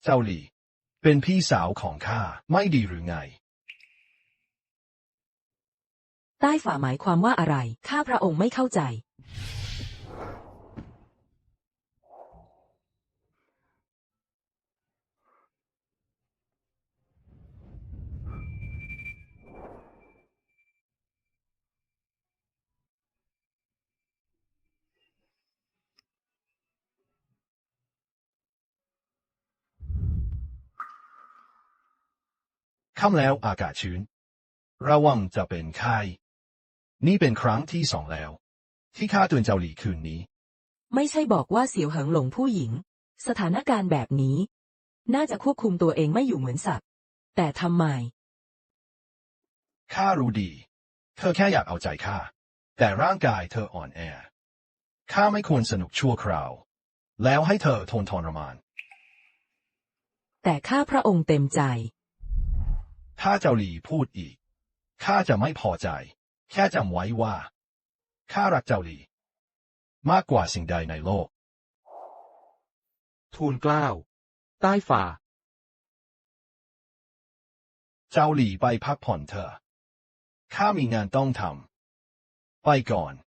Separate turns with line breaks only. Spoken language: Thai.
เจ้าหลี่เป็นพี่สาวของข้าไม่ดีหรือไง
ใต้ฝ่าหมายความว่าอะไรข้าพระองค์ไม่เข้าใจ
ค่ำแล้วอากาศชื้นระวังจะเป็นไข้นี่เป็นครั้งที่สองแล้วที่ข้าเตือนเจ้าหลี่คืนนี้
ไม่ใช่บอกว่าเสี่ยวเหิงหลงผู้หญิงสถานการณ์แบบนี้น่าจะควบคุมตัวเองไม่อยู่เหมือนสัตว์แต่ทำไม
ข้ารู้ดีเธอแค่อยากเอาใจข้าแต่ร่างกายเธออ่อนแอข้าไม่ควรสนุกชั่วคราวแล้วให้เธอทนทรมาน
แต่ข้าพระองค์เต็มใจ
ถ้าเจ้าหลี่พูดอีกข้าจะไม่พอใจแค่จำไว้ว่าข้ารักเจ้าหลี่มากกว่าสิ่งใดในโลก
ทูลเกล้าใต้ฝ่า
เจ้าหลี่ไปพักผ่อนเถอะข้ามีงานต้องทำไปก่อน